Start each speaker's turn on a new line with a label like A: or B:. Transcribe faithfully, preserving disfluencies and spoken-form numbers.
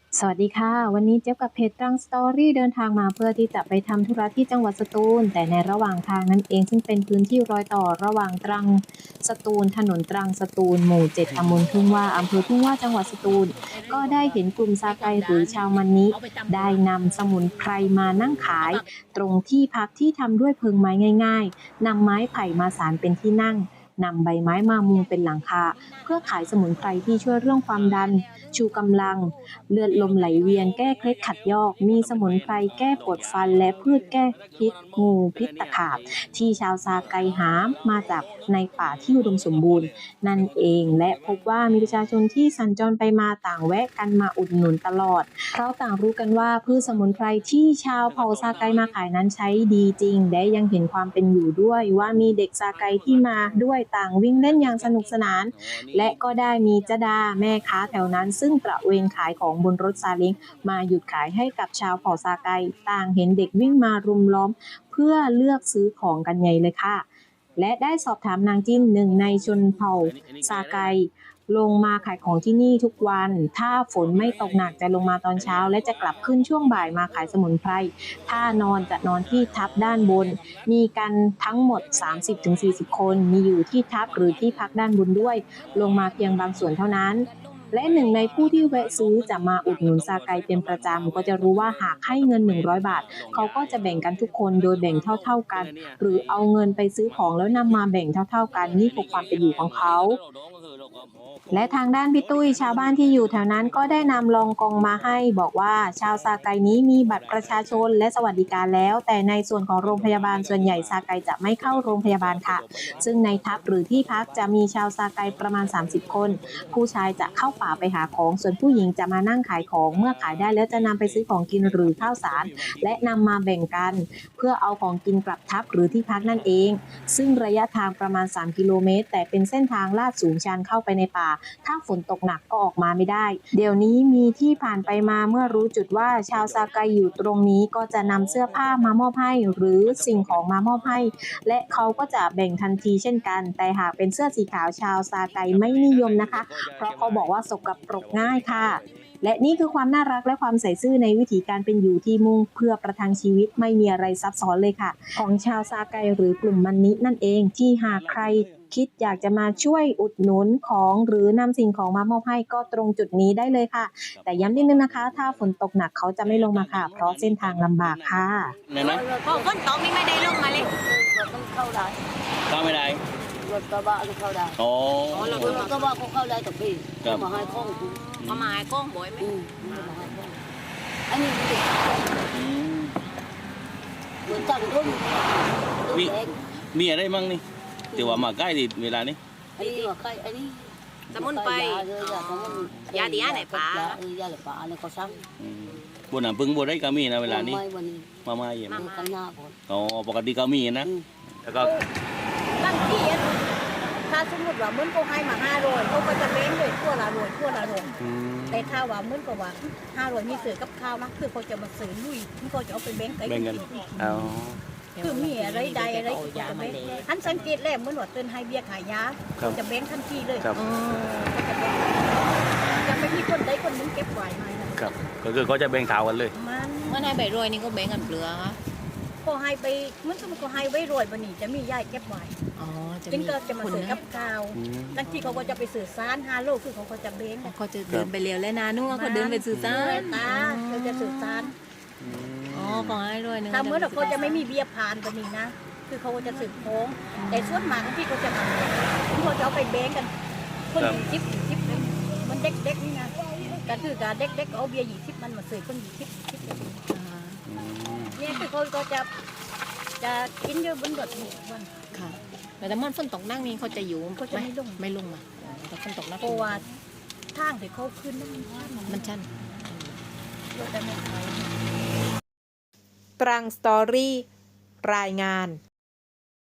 A: สวัสดีค่ะวันนี้เจ๊ยบกับเพจตรังสตอรี่เดินทางมาเพื่อที่จะไปทำธุระที่จังหวัดสตูลแต่ในระหว่างทางนั้นเองซึ่งเป็นพื้นที่รอยต่อระหว่างตรังสตูลถนนตรังสตูลหมู่เจ็ดตำบลทุ่งว่าอำเภอทุ่งว่าจังหวัดสตูลก็ได้เห็นกลุ่มซาไกหรือชาวมันนิได้นำสมุนไพรมานั่งขายตรงที่พักที่ทำด้วยเพิงไม้ง่ายๆนำไม้ไผ่มาสานเป็นที่นั่งนำใบไม้มามุงเป็นหลังคาเพื่อขายสมุนไพรที่ช่วยเรื่องความดันชูกำลังเลือดลมไหลเวียนแก้เคล็ดขัดยอกมีสมุนไพรแก้ปวดฟันและพืชแก้พิษงูพิษตะขาบที่ชาวซาไกหามาจากในป่าที่อุดมสมบูรณ์นั่นเองและพบว่ามีประชาชนที่สัญจรไปมาต่างแวะกันมาอุดหนุนตลอดเพราะต่างรู้กันว่าพืชสมุนไพรที่ชาวเผ่าซาไกมาขายนั้นใช้ดีจริงและยังเห็นความเป็นอยู่ด้วยว่ามีเด็กซาไกที่มาด้วยต่างวิ่งเล่นอย่างสนุกสนานและก็ได้มีจดาแม่ค้าแถวนั้นซึ่งตระเวนขายของบนรถซาเล้งมาหยุดขายให้กับชาวเผ่าซาไกต่างเห็นเด็กวิ่งมารุมล้อมเพื่อเลือกซื้อของกันใหญ่เลยค่ะและได้สอบถามนางจิ้นหนึ่งในชนเผ่าซาไกลงมาขายของที่นี่ทุกวันถ้าฝนไม่ตกหนักจะลงมาตอนเช้าและจะกลับขึ้นช่วงบ่ายมาขายสมุนไพรถ้านอนจะนอนที่ทับด้านบนมีกันทั้งหมด สามสิบถึงสี่สิบ คนมีอยู่ที่ทับหรือที่พักด้านบนด้วยลงมาเพียงบางส่วนเท่านั้นและหนึ่งในผู้ที่แวะซื้อจะมาอุดหนุนซาไกเป็นประจำก็จะรู้ว่าหากให้เงินหนึ่งร้อยบาทเขาก็จะแบ่งกันทุกคนโดยแบ่งเท่าๆกันหรือเอาเงินไปซื้อของแล้วนำมาแบ่งเท่าๆกันนี่คือความเป็นอยู่ของเขาและทางด้านพี่ตุ้ยชาวบ้านที่อยู่แถวนั้นก็ได้นำรองกองมาให้บอกว่าชาวซาไกนี้มีบัตรประชาชนและสวัสดิการแล้วแต่ในส่วนของโรงพยาบาลส่วนใหญ่ซาไกจะไม่เข้าโรงพยาบาลค่ะซึ่งในทัพหรือที่พักจะมีชาวซาไกประมาณสามสิบคนผู้ชายจะเข้าป่าไปหาของส่วนผู้หญิงจะมานั่งขายของเมื่อขายได้แล้วจะนำไปซื้อของกินหรือข้าวสารและนำมาแบ่งกันเพื่อเอาของกินกลับทัพหรือที่พักนั่นเองซึ่งระยะทางประมาณสามกิโลเมตรแต่เป็นเส้นทางลาดสูงชันเข้าไปในป่าถ้าฝนตกหนักก็ออกมาไม่ได้เดี๋ยวนี้มีที่ผ่านไปมาเมื่อรู้จุดว่าชาวซาไกอยู่ตรงนี้ก็จะนำเสื้อผ้ามามอบให้หรือสิ่งของมามอบให้และเขาก็จะแบ่งทันทีเช่นกันแต่หากเป็นเสื้อสีขาวชาวซาไกไม่นิยมนะคะเพราะเขาบอกว่าสกปรกง่ายค่ะและนี่คือความน่ารักและความใส่ซื่อในวิถีการเป็นอยู่ที่มุ่งเพื่อประทังชีวิตไม่มีอะไรซับซ้อนเลยค่ะของชาวซาไกหรือกลุ่มมันนินั่นเองที่หากใครคิดอยากจะมาช่วยอุดหนุนของหรือนำสิ่งของมามอบให้ก็ตรงจุดนี้ได้เลยค่ะแต่ย้ำนิดนึงนะคะถ้าฝนตกหนักเขาจะไม่ลงมาค่ะเพราะเส้นทางลำบากค่ะ
B: เนี่ยนะ
C: พอฝนตกนี่ไม่ได้ลงมาเลย
B: มันเข้าได้เข้าไม่ได้รถกระบะก็เข้าได้
C: อ๋อ
B: รถกระบะก็เข้าได้แต่พี่มาให้ข้องกู
C: มาหมายกล้องบ่อยไหม
B: มาให้ข้องอันนี้เหมือนจังทุ่ม
C: มี
B: มี
C: อะไรมั่งนี่แต่ว่ามาใกล้ดิเวลานี้
B: อันนี้ว่าใกล้อันนี้
C: สมุนไพรยาดีอะไรป่
B: ายาอะไรป่าอะไรก็ซ้
C: ำบนน้ำพึ่งบนได้ก็มีนะเวลานี้มาไม่เยี่ยมอ๋อปกติก็มีนะแล้วก็
D: บางทีถ้าสมมติว่ามื้อก็ให้มาห้าร้อยเขาก็จะเบ้งเลยทั่วละร้อยทั่วละร้อยแต่ถ้าว่ามื้อก็ว่าห้าร้อยมีเสือกับข้าวนะคือเขาจะมาซื้อลุยที่เขาจะเอาไปเบ้งไป
C: กินอ๋อ
D: คือมีอะไรใดอะไรก็จะเบ้งท่านสังเกตแล้วมื้อว่าเตือนให้เบี้ยขายยาจะเบ้งทันทีเลยจะไม่มีคนใดคนนึงเก็บไว้มา
C: ครับก็คือเขาจะเบ้งเท้ากันเลย
D: มัน
C: เมื่อไหร่ใบรวยนี่ก็เบ้งกันเปลือก
D: ก็ให้ไปมันก็ก็ให้ไว้รวยบันนี้จะมีย่ายเก็บไว้
C: อ๋อ
D: จึงก็จะมาซื้อกับข้าวบางทีเขาก็จะไปสื่อสารฮาโลคือเขาก็จะเบ้ง
C: เขาจะเดินไปเร็วแล้วนะนู่นเขาเดินไปสื่อสาร
D: ตาเขาจะสื่อสาร
C: อ๋อขอให้รวยนึง
D: ถ้าเมื่อเราเขาจะไม่มีเบี้ยผ่านบันนี้นะคือเขาจะสื่อโค้งแต่ส่วนมากที่เขาจะมาเขาจะเอาไปเบ้งกันคนหญิงทิพย์ทิพย์มันเด็กๆนี่นะการคือการเด็กๆเอาเบี้ยหญิงทิพย์มันมาสื่อคนหญิงทิพย์เนี่ยคือเขาก็จะจะกินเยอะบนรถหมู่วัน
C: ค่ะแต่มันฝนตกนั่งนี่เขาจะอยู่
D: เขาจะไม่ลง
C: ไม่ลงมาแต่ฝนตกนั่ง
D: เพราะว่าทางที่เขาขึ้นนั่น
C: มันชัน
D: รถได้ไม่ไป
A: ตรังสตอรี่รายงาน